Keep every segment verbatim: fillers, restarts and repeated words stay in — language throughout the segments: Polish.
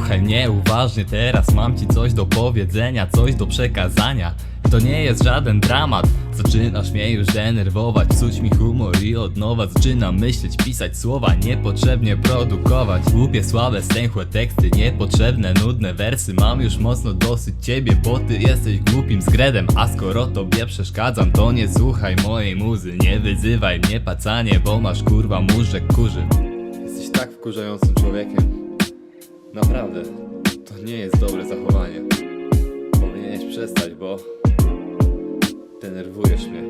Słuchaj mnie uważnie, teraz mam ci coś do powiedzenia, coś do przekazania. To nie jest żaden dramat. Zaczynasz mnie już denerwować, psuć mi humor i od nowa zaczynam myśleć, pisać słowa, niepotrzebnie produkować głupie, słabe, stęchłe teksty, niepotrzebne, nudne wersy. Mam już mocno dosyć ciebie, bo ty jesteś głupim zgredem. A skoro tobie przeszkadzam, to nie słuchaj mojej muzy. Nie wyzywaj mnie pacanie, bo masz kurwa mózg kurzy. Jesteś tak wkurzającym człowiekiem. Naprawdę, to nie jest dobre zachowanie. Powinieneś przestać, bo denerwujesz mnie.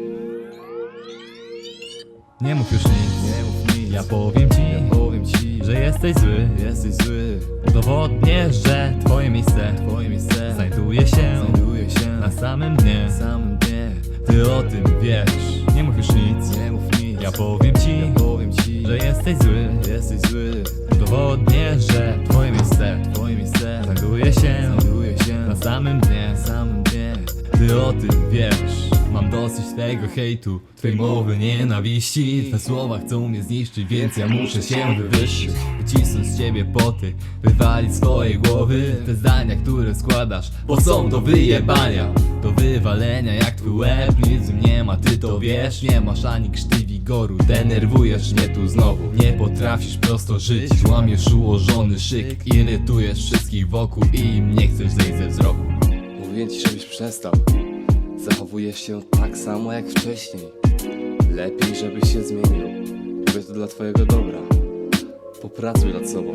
Nie mów już nic, nie mów nic. Ja powiem ci, ja powiem ci, że jesteś zły, jesteś zły. Udowodnię, że twoje miejsce, twoje miejsce znajduje się, znajduje się na samym dnie, samym dnie. Ty o tym wiesz. Nie mów już nic, nie mów nic. Ja powiem ci, ja powiem ci, że jesteś zły, jesteś zły. Udowodnię, że twoje miejsce, twoje miejsce znajduje się, znajduje się na samym dnie, samym dnie. Ty o tym wiesz. Mam dosyć tego hejtu, twej mowy nienawiści. Twe słowa chcą mnie zniszczyć, więc ja muszę się wywyższyć. Wycisnąć z ciebie poty, wywalić z twojej głowy te zdania, które składasz, bo są do wyjebania, do wywalenia jak twój łeb. Nic w nim nie ma, ty to wiesz. Nie masz ani krzty wigoru, denerwujesz mnie tu znowu. Nie potrafisz prosto żyć, łamiesz ułożony szyk. Irytujesz wszystkich wokół i im nie chcesz zejść ze wzroku. Mówię ci, żebyś przestał. Zachowujesz się tak samo jak wcześniej. Lepiej, żebyś się zmienił. Robię to dla twojego dobra. Popracuj nad sobą.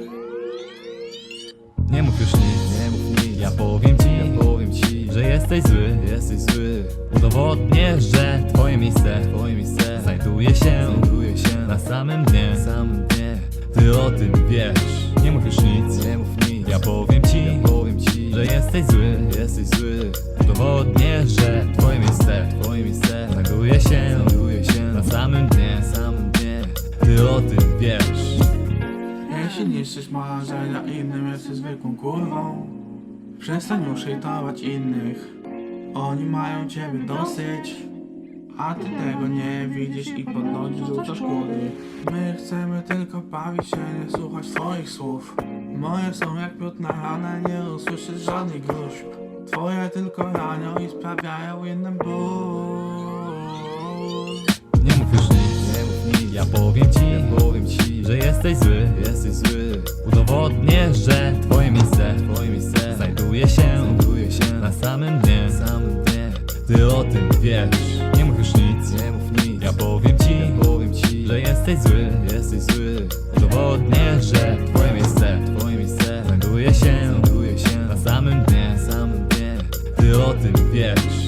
Nie mów już nic, nie mów nic. Ja powiem ci, ja powiem ci, że jesteś zły, jesteś zły. Udowodnię, że twoje miejsce, twoje miejsce znajduje się, znajduje się na samym dnie, samym dnie. Ty o tym wiesz. Nie mów już nic, nie mów nic. Ja powiem ci, ja powiem ci, że jesteś zły, jesteś zły. Udowodnię, że twoje miejsce, twoje miejsce znajduje się, znajduje się na samym dnie, samym dnie. Ty o tym wiesz. Jeśli niszczysz marzenia innym, jesteś zwykłą kurwą. Przestań już hejtować innych. Oni mają ciebie dosyć, a ty tego nie widzisz i podnosisz rzucasz kłody. My chcemy tylko bawić się, nie słuchać twoich słów. Moje są jak miód na ranę, nie usłyszysz żadnych gruźb. Twoje tylko ranią i sprawiają innym ból. Nie mów już nic, nie mów nic. Ja powiem ci, ja powiem ci, że jesteś zły, jesteś zły. Udowodnię, że twoje miejsce, twoje miejsce znajduje się, znajduje się na samym dnie, samym dnie. Ty o tym wiesz. Nie mów już nic, nie mów nic. Ja powiem ci, ja powiem ci, że jesteś zły, jesteś zły. Udowodnię, że twoje miejsce, twoje miejsce znajduje się, znajduje się na samym dnie, samym dnie. Ty o tym wiesz.